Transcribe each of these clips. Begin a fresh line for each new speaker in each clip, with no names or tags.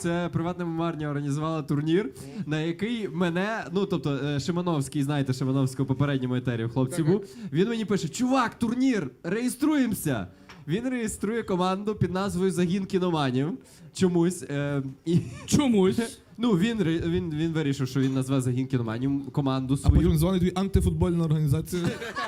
Це приватна мемарня організувала турнір, на який мене, ну тобто Шимановський, знаєте, Шимановського в попередньому етері хлопці був, він мені пише: чувак, турнір, реєструємося! Він реєструє команду під назвою «Загін кіноманів» чомусь.
Чомусь.
Ну, він вирішив, що він назве «Загін кіноманів» команду
А потім
свою.
дзвонить тобі антифутбольна організація.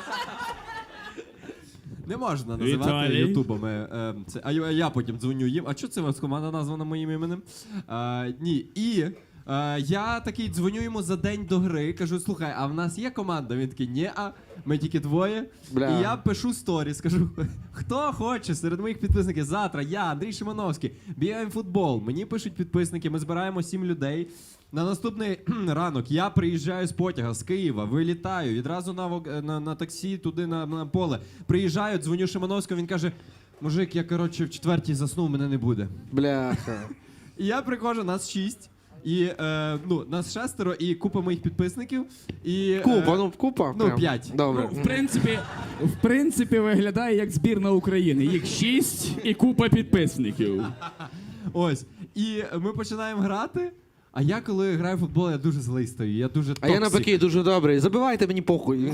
Не можна називати
Віталій.
ютубами. А я потім дзвоню їм. А чого це у вас команда названа моїм іменем? Ні. І я такий дзвоню йому за день до гри. Кажу: слухай, а в нас є команда? Він такий: ні, ми тільки двоє.
Бля.
І я пишу сторіс, кажу: хто хоче серед моїх підписників завтра, я, Андрій Шимановський, бігаємо в футбол. Мені пишуть підписники, ми збираємо 7 людей. На наступний ранок я приїжджаю з потяга з Києва, вилітаю, відразу на таксі туди на поле. Приїжджаю, дзвоню Шимановському, він каже: мужик, я, коротше, в 4-й заснув, мене не буде.
Бляха.
І я приходжу, нас 6. І, нас 6 і купа моїх підписників. І,
Купа?
Ну,
Прям.
5.
Добре.
Ну, в принципі, виглядає як збірна України. Їх 6 і купа підписників.
Ось. І ми починаємо грати. А я, коли граю в футбол, я дуже злий стою. Я дуже
А
токсик.
я навпаки дуже добрий. Забивайте мені похуй.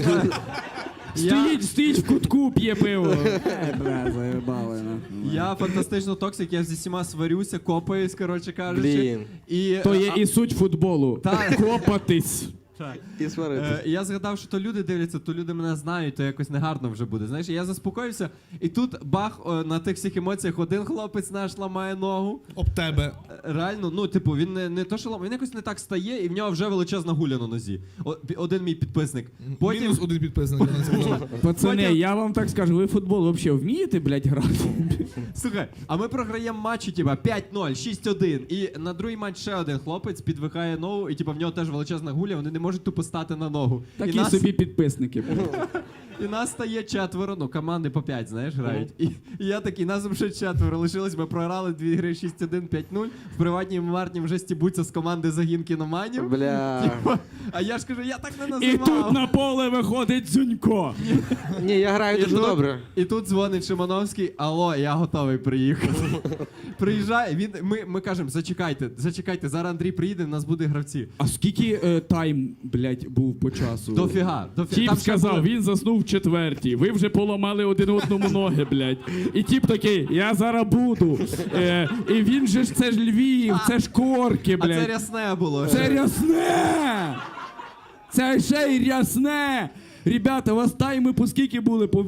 Стоїть в кутку, п'є пиво. Бля, заєбали.
Я фантастично токсик, я зі всіма сварюся, копаюсь, коротше кажучи.
Блін.
І,
То є і суть футболу.
Так.
Копатись.
І сваритись.
Я згадав, що то люди дивляться, то люди мене знають, то якось негарно вже буде. Знаєш, я заспокоївся, і тут бах, на тих всіх емоціях один хлопець наш ламає ногу.
Об тебе.
Реально, ну, типу, він не то, що ламає, він якось не так стає, і в нього вже величезна гуля на нозі. Один мій підписник. Потім...
Мінус один підписник. я не сказав.
Пацани,
Потім-
я вам так скажу, ви в футбол взагалі вмієте, блядь, грати?
Слухай, а ми програємо матчі, типа 5-0, 6-1. І на другий матч ще один хлопець підвихає ногу, і типа в нього теж величезна гуля, вони не можуть тупо стати на ногу.
Такі собі підписники.
І нас стає 4, ну команди по 5, знаєш, грають. І я такий, нас вже 4 лишилось, ми програли 2 гри 6-1, 5-0. В приватній мемарні вже стібуться з команди «Загін кіноманів».
Бля.
Типа, а я ж кажу, я так не
І
називав.
тут на поле виходить Дзюнько.
Ні, я граю дуже добре.
І тут дзвонить Шимановський: алло, я готовий приїхати. Приїжджає, ми кажемо: зачекайте, зараз Андрій приїде, в нас буде гравці.
А скільки тайм, блядь, був по часу?
Дофіга.
Тіп
Там ще
сказав,
були-
він заснув в 4-й. Ви вже поламали один одному ноги, блядь. І тіп такий: я зараз буду. І він же ж, це ж Львів, це ж корки,
А це
блядь.
рясне було.
Це рясне! Це ще й рясне! Ребята, у вас тайми по скільки були? По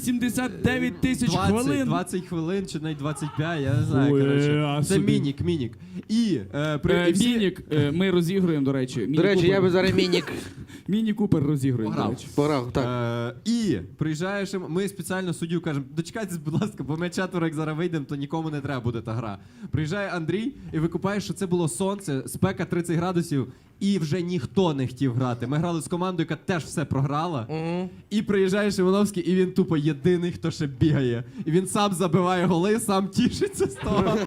89 тисяч
20,
хвилин?
20 хвилин чи навіть 25, я не знаю,
Ой,
коротше.
а
Це
собі.
мінік. І, і всі-
Мінік, ми розігруємо, до речі.
До речі, я би зараз мінік
Міні-купер розігруємо, до
Пограв.
речі.
пограв. Так.
І приїжджаєш, ми спеціально суддю кажемо: дочекайтесь, будь ласка, бо ми 4, як зараз вийдемо, то нікому не треба буде та гра. Приїжджає Андрій і викупає, що це було сонце, спека 30 градусів, і вже ніхто не хотів грати. Ми грали з командою, яка теж все програла. І приїжджає Шимановський, і він тупо єдиний, хто ще бігає. І він сам забиває голи, сам тішиться з того.